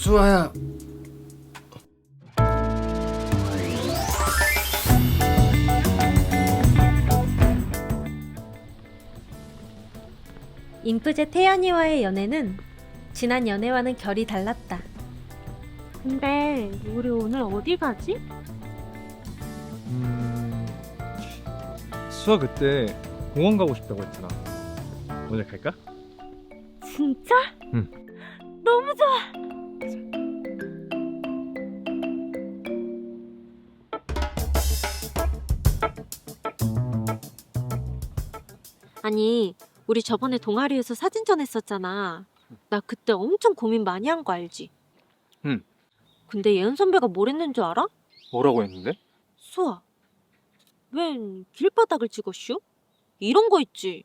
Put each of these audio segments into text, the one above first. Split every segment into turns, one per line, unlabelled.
수아야.
인프제 태연이와의 연애는 지난 연애와는 결이 달랐다.
근데 우리 오늘 어디 가지?
수아 그때 공원 가고 싶다고 했잖아. 오늘 갈까?
진짜?
응.
너무 좋아. 아니, 우리 저번에 동아리에서 사진전 했었잖아. 나 그때 엄청 고민 많이 한 거 알지?
응.
근데 예은 선배가 뭘 했는 줄 알아?
뭐라고 했는데?
수아, 웬 길바닥을 찍었슈? 이런 거 있지.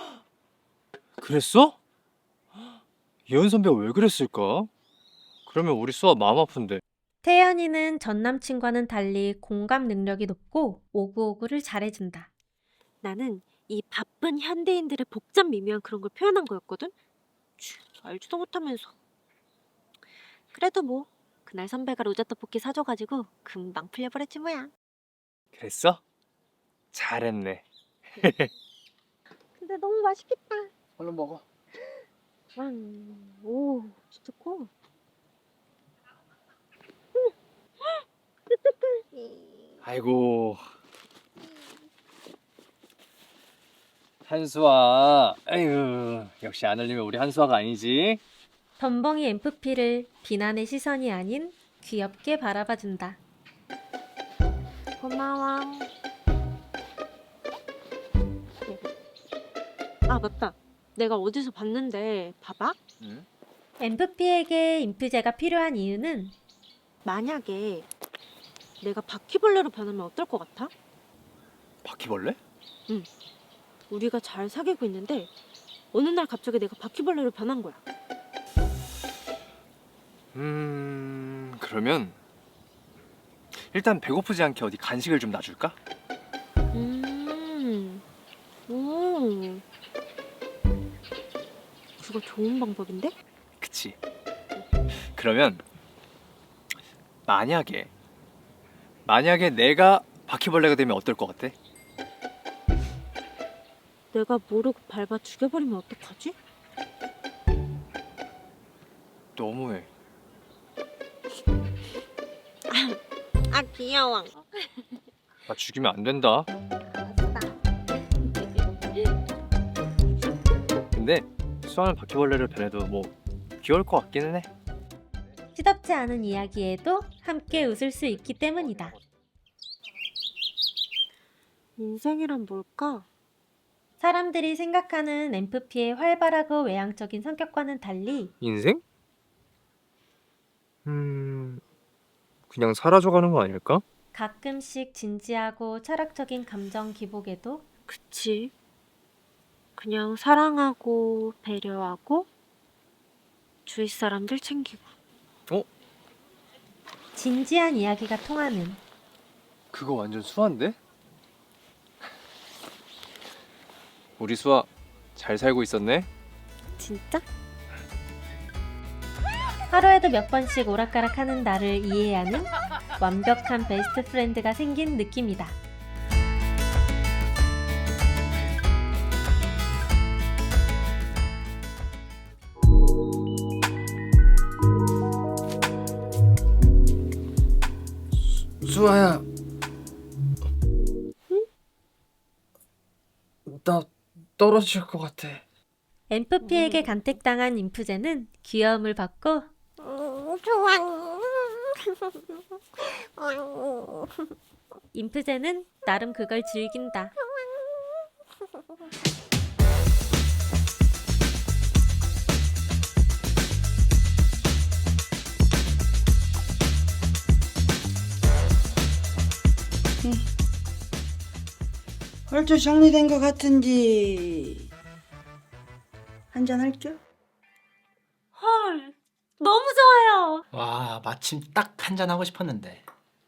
그랬어? 예은 선배가 왜 그랬을까? 그러면 우리 수아 마음 아픈데.
태연이는 전 남친과는 달리 공감 능력이 높고 오구오구를 잘해준다.
나는 이 바쁜 현대인들의 복잡 미묘한 그런 걸 표현한 거였거든? 알지도 못하면서. 그래도 뭐 그날 선배가 로제 떡볶이 사줘가지고 금방 풀려버렸지 뭐야.
그랬어? 잘했네.
근데 너무 맛있겠다.
얼른 먹어.
오, 진짜 커.
아이고. 한수아. 아이고. 역시 안 흘리면 우리 한수아가 아니지.
덤벙이 MFP를 비난의 시선이 아닌 귀엽게 바라봐준다.
고마워. 아, 맞다. 내가 어디서 봤는데 봐봐.
응?
MFP에게 인프제가 필요한 이유는
만약에 내가 바퀴벌레로 변하면 어떨 것 같아?
바퀴벌레?
우리가 잘 사귀고 있는데 어느 날 갑자기 내가 바퀴벌레로 변한 거야.
그러면 일단 배고프지 않게 어디 간식을 좀 놔줄까?
오, 그거 좋은 방법인데?
그치. 그러면 만약에 내가 바퀴벌레가 되면 어떨 것 같아?
내가 모르고 밟아 죽여버리면 어떡하지?
너무해.
아, 귀여워.
나 죽이면 안 된다. 근데 수아는 바퀴벌레를 변해도 뭐 귀여울 것 같기는 해.
시덥지 않은 이야기에도 함께 웃을 수 있기 때문이다.
인생이란 뭘까?
사람들이 생각하는 MFP의 활발하고 외향적인 성격과는 달리
인생? 그냥 사라져가는 거 아닐까?
가끔씩 진지하고 철학적인 감정 기복에도
그치. 그냥 사랑하고 배려하고 주위 사람들 챙기고.
진지한 이야기가 통하는
그거 완전 수아인데? 우리 수아 잘 살고 있었네?
진짜?
하루에도 몇 번씩 오락가락하는 나를 이해하는 완벽한 베스트 프렌드가 생긴 느낌이다.
수아야.
응?
나 떨어질 것 같아.
MFP에게 간택당한 인프제는 귀여움을 받고
좋아.
인프제는 나름 그걸 즐긴다.
얼추 정리된 것 같은지 한잔 할겨?
헐, 너무 좋아요.
와, 마침 딱 한잔 하고 싶었는데.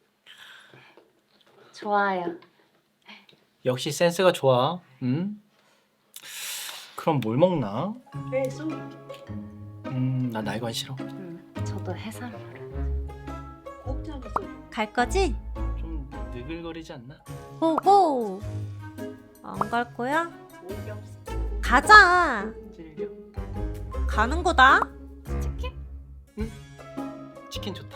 좋아요.
역시 센스가 좋아. 응? 그럼 뭘 먹나?
그래, 쏘.
나 날건 싫어.
저도 해산물.
갈 거지?
좀 느글거리지 않나?
고고. 안 갈 거야? 가자.
찔겨.
가는 거다.
치킨 좋다.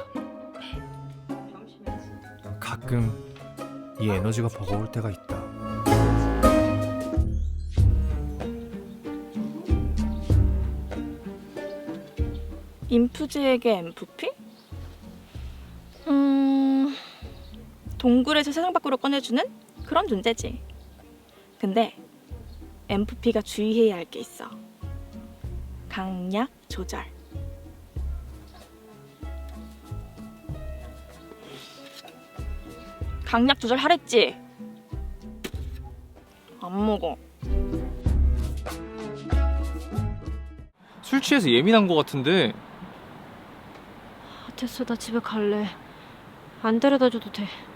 가끔 이 에너지가 버거울 때가 있다.
인프제에게 MFP? 동굴에서 세상 밖으로 꺼내주는 그런 존재지. 근데 MFP가 주의해야 할 게 있어. 강약 조절. 강약 조절 하랬지? 안 먹어.
술 취해서 예민한 것 같은데.
됐어, 나 집에 갈래. 안 데려다 줘도 돼.